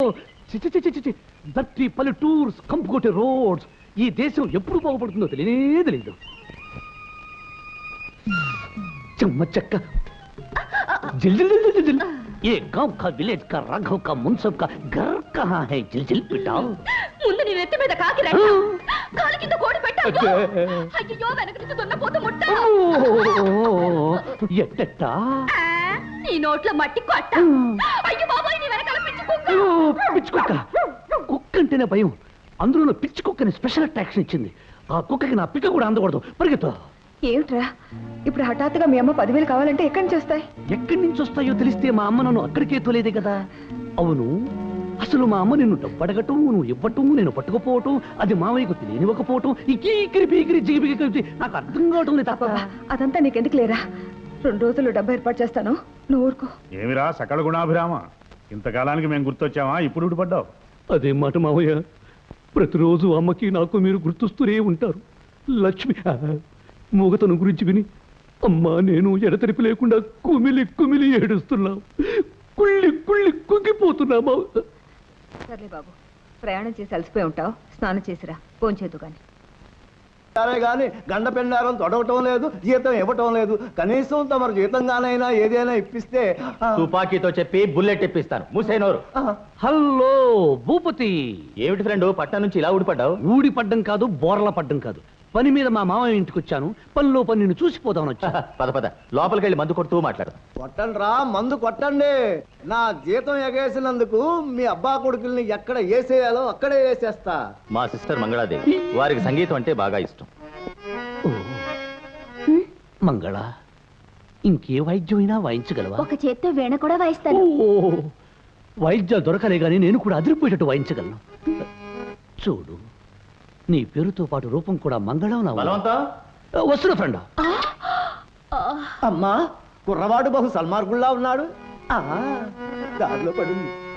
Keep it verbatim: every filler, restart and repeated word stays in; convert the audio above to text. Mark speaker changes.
Speaker 1: చిచి చిచి చిచి దట్టి పల్లెటూర్స్ కంపుకొట్టే రోడ్స్ ఈ దేశం ఎప్పుడు బాగుపడుతుందో తెలియనే తెలియదు. చెమ్మ చెక్క जिल जिल जिल जिल जिल ये गांव का विलेज का राघव का मुंसब का घर कहाँ है जिल जिल पिटाओ
Speaker 2: ముందు నీ నెత్తి మీద కాకి రెట్ట కాలి కింద కోడి పెట్టావు అయ్యో వెనక నుంచి దున్నపోతు ముట్ట
Speaker 1: ఎట్టట
Speaker 2: నీ నోట్లో మట్టి కొట్ట అయ్యో బాబాయ్ నీ వెనకాల పిచ్చి కుక్క
Speaker 1: పిచ్చి కుక్క కుక్క అంటేనే భయం అందులో పిచ్చి కుక్కని స్పెషల్ అట్రాక్షన్ ఇచ్చింది ఆ కుక్కకి నా పిక్క కూడా అందకూడదు పరిగెత్తు
Speaker 3: ఏమిట్రా ఇప్పుడు హఠాత్తుగా మీ అమ్మ పదివేలు కావాలంటే ఎక్కడి నుంచి వస్తాయి?
Speaker 1: ఎక్కడి నుంచి వస్తాయో తెలిస్తే మా అమ్మ నన్ను అక్కడికే తోలేదే కదా. అవును అసలు మా అమ్మ నిన్ను డబ్బు అడగటం నువ్వు ఇవ్వటం నేను పట్టుకుపోవటం అది మావయ్యకు తెలియనివ్వకపోవటం ఈ కీకిరి పీకిరి జిగిపిగి కలిసి నాకు అర్థం కావటం లేదు తాత.
Speaker 3: అదంతా నీకెందుకు లేరా, రెండు రోజులు డబ్బు ఏర్పాటు చేస్తాను నువ్వు ఊరుకో.
Speaker 4: ఏమిరా సకల గుణాభిరామ, ఇంతకాలానికి మేము గుర్తొచ్చామా ఇప్పుడు ఊడిపడ్డావు?
Speaker 1: అదే మాట మావయ్య, ప్రతిరోజు అమ్మకి నాకు మీరు గుర్తొస్తూనే ఉంటారు. లక్ష్మి మూగతను గురించి విని అమ్మా నేను ఎడతెరిపి లేకుండా కుమిలి కుమిలి ఏడుస్తున్నాం, కుళ్ళి కుళ్ళి కుంగిపోతున్నామా.
Speaker 3: సర్లే బాబు, ప్రయాణం చేసి అలసిపోయి ఉంటావు, స్నానం చేసిరా పోంచేదు కానీ.
Speaker 5: సరే గాని గండ పెండారం తొడవటం లేదు, జీతం ఇవ్వటం లేదు. కనీసం తమరు జీతంగానైనా ఏదైనా ఇప్పిస్తే.
Speaker 6: తుపాకీతో చెప్పి బుల్లెట్ ఇప్పిస్తాను, మూసేనోరు.
Speaker 1: హలో భూపతి.
Speaker 6: ఏమిటి ఫ్రెండ్ పట్నం నుంచి ఇలా ఊడిపడ్డావు?
Speaker 1: ఊడి పడ్డం కాదు, బోర్ల పడ్డం కాదు, పని మీద మా మామయ్య ఇంటికి వచ్చాను, పనిలో పని నిన్ను చూసిపోదామని వచ్చా.
Speaker 6: పద పద లోపలికి వెళ్ళి మందు కొడుతూ మాట్లాడు.
Speaker 5: కొట్టండి రా మందు కొట్టండి. నా జీతం ఎగేసినందుకు మీ అబ్బా కొడుకుల్ని ఎక్కడ వేసేయాలో అక్కడే వేసేస్తా.
Speaker 6: మా సిస్టర్ మంగళాదేవి, వారికి సంగీతం అంటే బాగా ఇష్టం.
Speaker 1: మంగళ ఇంకే వాయిద్యమైనా వాయించగలవా?
Speaker 2: ఒక చేత్తో వీణ కూడా వాయిస్తాను.
Speaker 1: వాయిద్యాలు దొరకలే గానీ నేను కూడా అదిరిపోయేటట్టు వాయించగలను. చూడు నీ పేరుతో పాటు రూపం కూడా మంగళం. వస్తున్నా ఫ్రెండ్.
Speaker 5: అమ్మా కుర్రవాడు బహు సల్మార్గుల్లా ఉన్నాడు. దారిలో పడింది.